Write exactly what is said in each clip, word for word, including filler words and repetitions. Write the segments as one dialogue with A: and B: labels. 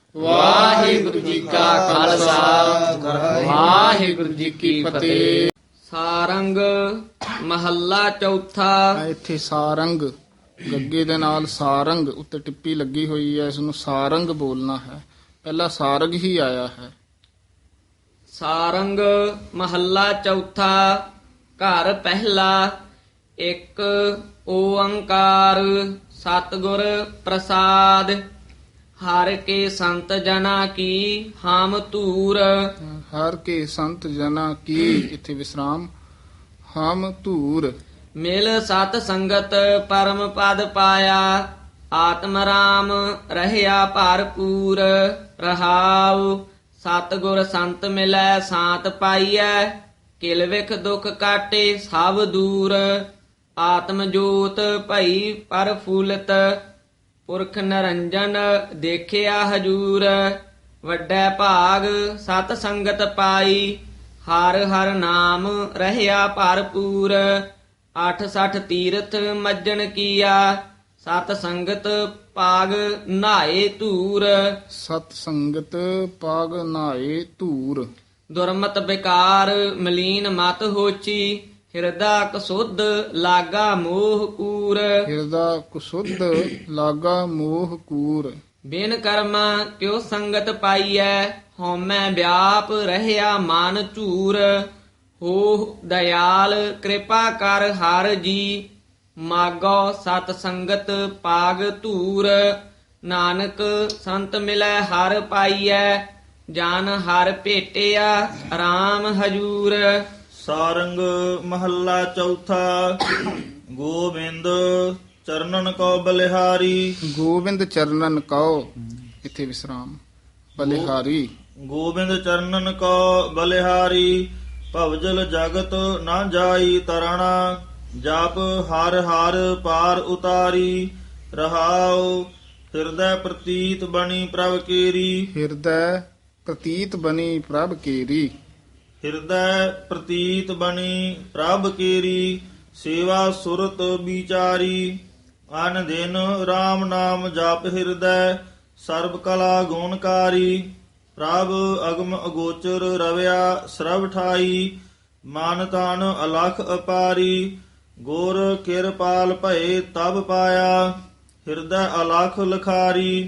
A: ਵਾਹਿਗੁਰੂ ਜੀ ਕਾ ਖਾਲਸਾ ਵਾਹਿਗੁਰੂ ਜੀ ਕੀ ਫਤਿਹ।
B: ਸਾਰੰਗ ਮਹੱਲਾ ਚੌਥਾ।
A: ਇੱਥੇ ਸਾਰੰਗ ਗੱਗੇ ਦੇ ਨਾਲ ਸਾਰੰਗ ਉੱਤੇ ਟਿੱਪੀ ਲੱਗੀ ਹੋਈ ਹੈ, ਇਸ ਨੂੰ ਸਾਰੰਗ ਬੋਲਣਾ ਹੈ। ਪਹਿਲਾਂ ਸਾਰਗ ਹੀ ਆਇਆ ਹੈ।
B: ਸਾਰੰਗ ਮਹੱਲਾ ਚੌਥਾ। ਘਰ ਪਹਿਲਾ। ਇੱਕ ਓੰਕਾਰ ਸਤਿਗੁਰ ਪ੍ਰਸਾਦ। ਹਰ ਕੇ ਸੰਤ ਜਨਾ ਕੀ ਹਮ ਧੂਰ।
A: ਹਰ ਕੇ ਸੰਤ ਜਨਾ ਕੀ, ਇੱਥੇ ਵਿਸਰਾਮ, ਹਮ ਧੂਰ।
B: ਮਿਲ ਸਤ ਸੰਗਤ ਪਰਮ ਪਦ ਪਾਇਆ। ਆਤਮ ਰਾਮ ਰਹਿਆ ਭਰਪੂਰ। ਰਹਾਉ ਸਤਿਗੁਰ ਸੰਤ ਮਿਲੈ ਸਾਤ ਪਾਈਐ। ਕਿਲ ਵਿਖ ਦੁਖ ਕਾਟੇ ਸਭ ਦੂਰ। ਆਤਮ ਜੋਤ ਭਈ ਪਰਫੂਲਤ। ਪੁਰਖ ਨਰੰਜਨ ਦੇਖਿਆ ਹਜੂਰ। ਵੱਡਾ ਭਾਗ ਸਤ ਸੰਗਤ ਪਾਈ। ਹਰ ਹਰ ਨਾਮ ਰਹਿਆ ਭਰਪੂਰ। ਅੱਠ ਸਠ ਤੀਰਥ ਮੱਜਣ ਕੀਆ। ਸਤ ਸੰਗਤ ਪਾਗ ਨਾਏ ਧੂਰ।
A: ਸਤ ਸੰਗਤ ਪਾਗ ਨਾਏ ਧੂਰ।
B: ਦੁਰਮਤ ਵਿਕਾਰ ਮਲੀਨ ਮਤ ਹੋਚੀ। ਹਿਰਦਾ ਕਸੁੱਧ ਲਾਗਾ ਮੋਹ ਕੂਰ।
A: ਹਿਰਦਾ ਕੁਸੁੱਧ ਲਾਗਾ ਮੋਹ ਕੂਰ।
B: ਬਿਨ ਕਰਮਾ ਕਿਉ ਸੰਗਤ ਪਾਈਐ। ਹਉਮੈ ਵਿਆਪ ਰਹਿਆ ਮਨ ਝੂਰ। ਹੋ ਦਇਆਲ ਕਿਰਪਾ ਕਰ ਹਰ ਜੀ। ਮਾਗੋ ਸਤ ਸੰਗਤ ਪਾਗ ਧੂਰ। ਨਾਨਕ ਸੰਤ ਮਿਲੈ ਹਰ ਪਾਈਐ। ਜਨ ਹਰ ਭੇਟਿਆ ਰਾਮ ਹਜੂਰ।
C: ਸਾਰੰਗ ਮਹੱਲਾ ਚੌਥਾ। ਗੋਬਿੰਦ ਚਰਨਨ ਕੋ ਬਲਿਹਾਰੀ।
A: ਗੋਬਿੰਦ ਚਰਨਨ ਕਉ, ਇੱਥੇ ਵਿਸਰਾਮ, ਬਲਿਹਾਰੀ।
C: ਗੋਬਿੰਦ ਚਰਨਨ ਕੋ ਬਲਿਹਾਰੀ। ਭਵਜਲ ਜਗਤ ਨਾ ਜਾਈ ਤਰਣਾ। ਜਪ ਹਰ ਹਰ ਪਾਰ ਉਤਾਰੀ। ਰਹਾਉ ਹਿਰਦੈ ਪ੍ਰਤੀਤ ਬਣੀ ਪ੍ਰਭ ਕੇਰੀ।
A: ਹਿਰਦੈ ਪ੍ਰਤੀਤ ਬਣੀ ਪ੍ਰਭ ਕੇਰੀ।
C: ਹਿਰਦੈ ਪ੍ਰਤੀਤ ਬਣੀ ਪ੍ਰਭ ਕੇਰੀ। ਸੇਵਾ ਸੁਰਤ ਵਿਚਾਰੀ। ਅਨ ਦਿਨ RAM ਨਾਮ ਜਪ ਹਿਰਦੈ। ਸਰਬ ਕਲਾ ਗੁਣਕਾਰੀ। ਪ੍ਰਭ ਅਗਮ ਅਗੋਚਰ ਰਵਿਆ ਸਰਬ ਠਾਈ। ਮਨ ਤਨ ਅਲਖ ਅਪਾਰੀ। ਗੁਰ ਕਿਰਪਾਲ ਭਏ ਤਬ ਪਾਇਆ। ਹਿਰਦੈ ਅਲਖ ਲਖਾਰੀ।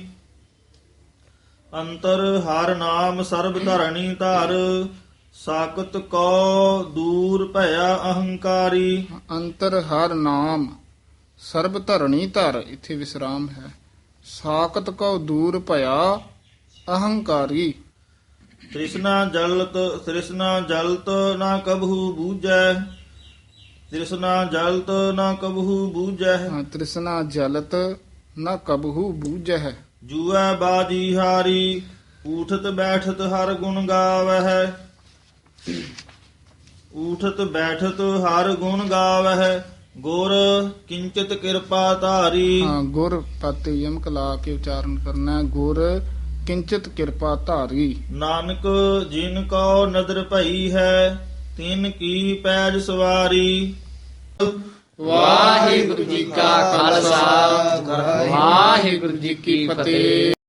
C: ਅੰਤਰ ਹਰ ਨਾਮ ਸਰਬ ਧਰਣੀ ਧਰ। ਸਾਕਤ ਕੋ ਦੂਰ ਭਇਆ ਅਹੰਕਾਰੀ।
A: ਅੰਤਰ ਹਰ ਨਾਮ ਸਰਬ ਧਰਣੀ ਧਰ, ਇੱਥੇ ਵਿਸਰਾਮ ਹੈ। ਸਾਕਤ ਕਉ ਦੂਰ ਭਇਆ ਅਹੰਕਾਰੀ।
C: ਤ੍ਰਿਸ਼ਨਾ ਜਲਤ ਤ੍ਰਿਸ਼ਨਾ ਜਲਤ ਨਾ ਕਬਹੂ ਬੂਝੈ। ਤ੍ਰਿਸ਼ਨਾ ਜਲਤ ਨਾ ਕਬਹੂ ਬੂਝੈ।
A: ਹਾਂ, ਤ੍ਰਿਸ਼ਨਾ ਜਲਤ ਨ ਕਬਹੂ ਬੂਝੈ।
C: ਜੂਐ ਬਾਜੀ ਹਾਰੀ। ਊਠਤ ਬੈਠਤ ਹਰ ਗੁਣ ਗਾਵਹਿ। ਊਠਤ ਬੈਠਤ ਹਰ ਗੁਣ ਗਾਵਹਿ। ਗੁਰ ਕਿੰਚਿਤ ਕਿਰਪਾ ਧਾਰੀ।
A: ਹਾਂ, ਗੁਰ ਪਤੇ ਯਮਕ ਲਾ ਕੇ ਉਚਾਰਨ ਕਰਨਾ ਹੈ। ਗੁਰ ਕਿੰਚਿਤ ਕਿਰਪਾ ਧਾਰੀ।
C: ਨਾਨਕ ਜਿਨ ਕੋ ਨਦਰ ਭਈ ਹੈ। ਤਿਨ ਕੀ ਪੈਜ ਸਵਾਰੀ।
A: ਵਾਹਿਗੁਰੂ ਜੀ ਕਾ ਖਾਲਸਾ ਵਾਹਿਗੁਰੂ ਜੀ ਕੀ ਫਤਿਹ।